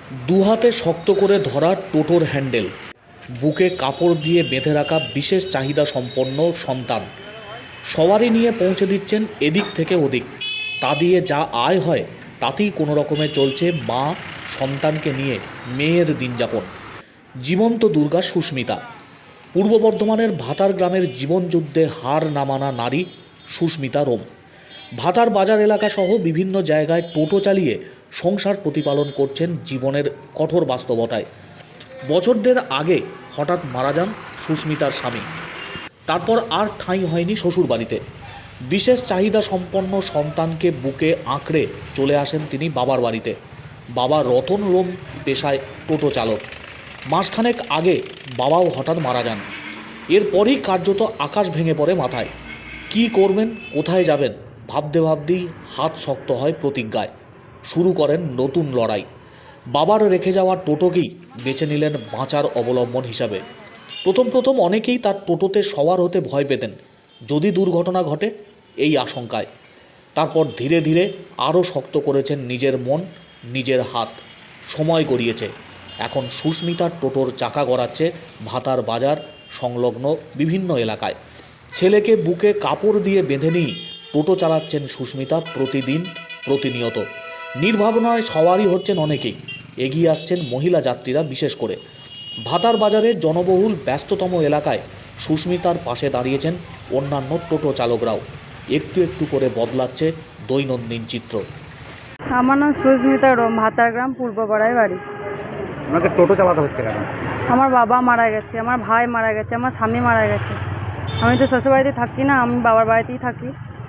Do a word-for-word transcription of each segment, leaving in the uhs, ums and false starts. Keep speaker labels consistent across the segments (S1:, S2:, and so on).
S1: দুহাতে শক্ত করে ধরা টোটোর হ্যান্ডেল, বুকে কাপড় দিয়ে বেঁধে রাখা বিশেষ চাহিদা সম্পন্ন সন্তান, সবারই নিয়ে পৌঁছে দিচ্ছেন এদিক থেকে ওদিক। তা দিয়ে যা আয় হয় তাতেই কোনো রকমে চলছে মা সন্তানকে নিয়ে মেয়ের দিনযাপন। জীবন্ত দুর্গা সুস্মিতা। পূর্ব বর্ধমানের ভাতার গ্রামের জীবনযুদ্ধে হার না মানা নারী সুস্মিতা রোম ভাতার বাজার এলাকা সহ বিভিন্ন জায়গায় টোটো চালিয়ে সংসার প্রতিপালন করছেন জীবনের কঠোর বাস্তবতায়। বছর দেড় আগে হঠাৎ মারা যান সুস্মিতার স্বামী। তারপর আর ঠাঁই হয়নি শ্বশুরবাড়িতে। বিশেষ চাহিদা সম্পন্ন সন্তানকে বুকে আঁকড়ে চলে আসেন তিনি বাবার বাড়িতে। বাবা রতন রোম পেশায় টোটো চালক। মাসখানেক আগে বাবাও হঠাৎ মারা যান। এরপরই কার্যত আকাশ ভেঙে পড়ে মাথায়। কি করবেন, কোথায় যাবেন ভাবতে ভাবতেই হাত শক্ত হয় প্রতিজ্ঞায়। শুরু করেন নতুন লড়াই। বাবার রেখে যাওয়া টোটোকেই বেছে নিলেন বাঁচার অবলম্বন হিসাবে। প্রথম প্রথম অনেকেই তার টোটোতে সওয়ার হতে ভয় পেতেন, যদি দুর্ঘটনা ঘটে এই আশঙ্কায়। তারপর ধীরে ধীরে আরও শক্ত করেছেন নিজের মন, নিজের হাত। সময় গড়িয়েছে। এখন সুস্মিতার টোটোর চাকা গড়াচ্ছে ভাতার বাজার সংলগ্ন বিভিন্ন এলাকায়। ছেলেকে বুকে কাপড় দিয়ে বেঁধে নিয়ে টোটো চালাচ্ছেন সুস্মিতা প্রতিদিন, প্রতিনিয়ত। নির্ভাবনায় সওয়ারই হচ্ছেন অনেকেই। এগিয়ে আসছেন মহিলা যাত্রীরা বিশেষ করে। ভাতার বাজারের জনবহুল ব্যস্ততম এলাকায় সুস্মিতার পাশে দাঁড়িয়েছেন অন্যান্য টোটো চালকরাও। একটু একটু করে বদলাচ্ছে দৈনন্দিন চিত্র।
S2: আমার নাম সুস্মিতা রোম, ভাতার গ্রাম, পূর্বপাড়ায় বাড়ি।
S3: আপনাকে টোটো চালাতে হচ্ছে কেন?
S2: আমার বাবা মারা গেছে, আমার ভাই মারা গেছে, আমার স্বামী মারা গেছে। আমি তো শ্বশুরবাড়িতে থাকি না, আমি বাবার বাড়িতেই থাকি।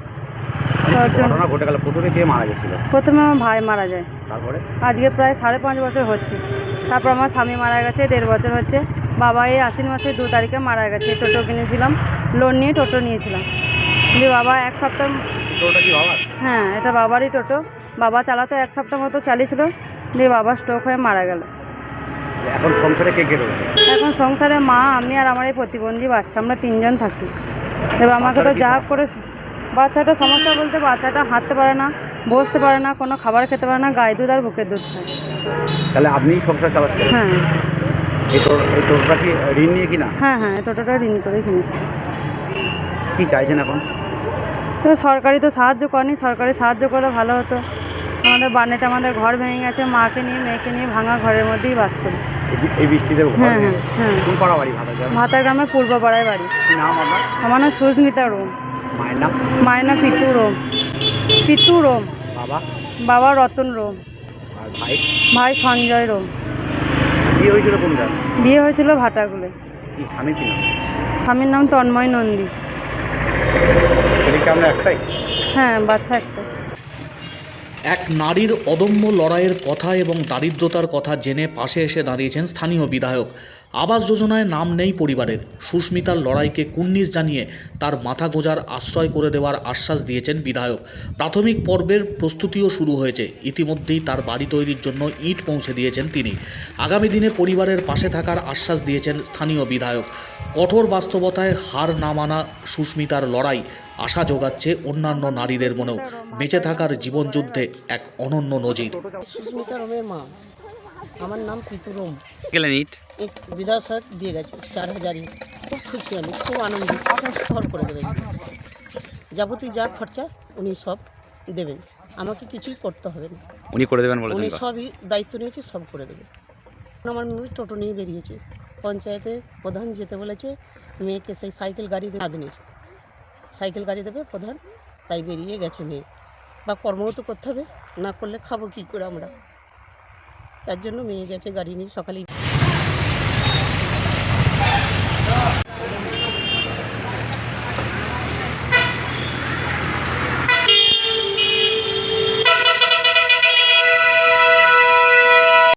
S3: ঘটনা ঘটে গেল, প্রথমে কে মারা গেছিল?
S2: প্রথমে আমার ভাই মারা যায়,
S3: তারপরে
S2: আজকে প্রায় সাড়ে পাঁচ বছর হচ্ছে। তারপর আমার স্বামী মারা গেছে, দেড় বছর হচ্ছে। বাবা এই আশ্বিন মাসের দু তারিখে মারা গেছে। টোটো কিনেছিলাম, লোন নিয়ে টোটো নিয়েছিলাম। দিয়ে বাবা এক সপ্তাহ।
S3: টোটোটা কি বাবার?
S2: হ্যাঁ, এটা বাবারই টোটো। বাবা চালাতো, এক সপ্তাহ মতো চালিয়েছিল, দিয়ে বাবা স্ট্রোক হয়ে মারা গেল।
S3: এখন সংসারে কে কে রয়েছে?
S2: এখন সংসারে মা, আমি আর আমার এই প্রতিবন্ধী বাচ্চা, আমরা তিনজন থাকি। এবার আমাকে তো যা করে, বাচ্চাটা সমস্যা বলতে বাচ্চাটা হাঁটতে পারে না, বসতে পারে না, কোনো খাবার খেতে পারে না, গায়ে দুধ আর বুকের দুধ খায়।
S3: তাহলে আপনি সংসার চালাচ্ছেন?
S2: হ্যাঁ
S3: এই টোটোটা কি ঋণ নিয়ে কিনা?
S2: হ্যাঁ হ্যাঁ এই টোটোটা ঋণ করে কিনেছি।
S3: কি চাইছেন এখন?
S2: তো সরকারি তো সাহায্য করেনি, সরকারি সাহায্য করলে ভালো হতো। আমাদের বানেতে আমাদের ঘর ভেঙে গেছে, মাকে নিয়ে মেয়েকে নিয়ে ভাঙা ঘরের মধ্যেই বাস করি।
S3: এই বৃষ্টিতে ঘর?
S2: হ্যাঁ হ্যাঁ হ্যাঁ।
S3: কোন পাড়া বাড়ি? ভাতার গ্রাম।
S2: ভাতার গ্রামের পূর্বপাড়ায় বাড়ি।
S3: কি নাম আপনার?
S2: আমার নাম সুস্মিতা রোম।
S3: মায়ের নাম?
S2: মায়ের নাম পিতু রোম। পিতু রোম।
S3: বাবা?
S2: বাবা রতন রোম।
S3: আর ভাই?
S2: ভাই সঞ্জয় রোম।
S3: বিয়ে হয়েছিল কোন গ্রাম?
S2: বিয়ে হয়েছিল ভাটাগুলে।
S3: কি স্বামী কি নাম?
S2: স্বামীর নাম তন্ময় নন্দী।
S3: ছেলেকে আমরা একটাই?
S2: হ্যাঁ, বাচ্চা একটা।
S1: এক নারীর অদম্য লড়াইয়ের কথা এবং দারিদ্রতার কথা জেনে পাশে এসে দাঁড়িয়েছেন স্থানীয় বিধায়ক। আবাস যোজনায় নাম নেই পরিবারের। সুস্মিতার লড়াইকে কুর্নিশ জানিয়ে তার মাথা গোঁজার আশ্রয় করে দেওয়ার আশ্বাস দিয়েছেন বিধায়ক। প্রাথমিক পর্বের প্রস্তুতিও শুরু হয়েছে। ইতিমধ্যেই তার বাড়ি তৈরির জন্য ইট পৌঁছে দিয়েছেন তিনি। আগামী দিনে পরিবারের পাশে থাকার আশ্বাস দিয়েছেন স্থানীয় বিধায়ক। কঠোর বাস্তবতায় হার না মানা সুস্মিতার লড়াই আশা যোগাচ্ছে অন্যান্য নারীদের মনেও। বেঁচে থাকার জীবনযুদ্ধে এক অনন্য নজির।
S4: সুস্মিতা রোমের মা, আমার নাম পিতু রোম।
S3: গেলেন ইট?
S4: এক বিধায়ক স্যার দিয়ে গেছে চার হাজার ইট। খুব খুশি, আমি খুব আনন্দিত। সফল করে দেবেন, যাবতীয় যা খরচা উনি সব দেবেন, আমাকে কিছুই করতে হবে না।
S3: উনি করে দেবেন বলেছেন?
S4: উনি সবই দায়িত্ব নিয়েছে, সব করে দেবে। আমার মেয়ে টোটো নিয়ে বেরিয়েছে, পঞ্চায়েতে প্রধান যেতে বলেছে, মেয়েকে সেই সাইকেল গাড়ি দেবে, আদনির সাইকেল গাড়ি দেবে প্রধান, তাই বেরিয়ে গেছে মেয়ে। বা কর্মও তো করতে হবে, না করলে খাবো কী করে আমরা, তার জন্য মেয়ে গেছে গাড়ি নিয়ে সকালেই।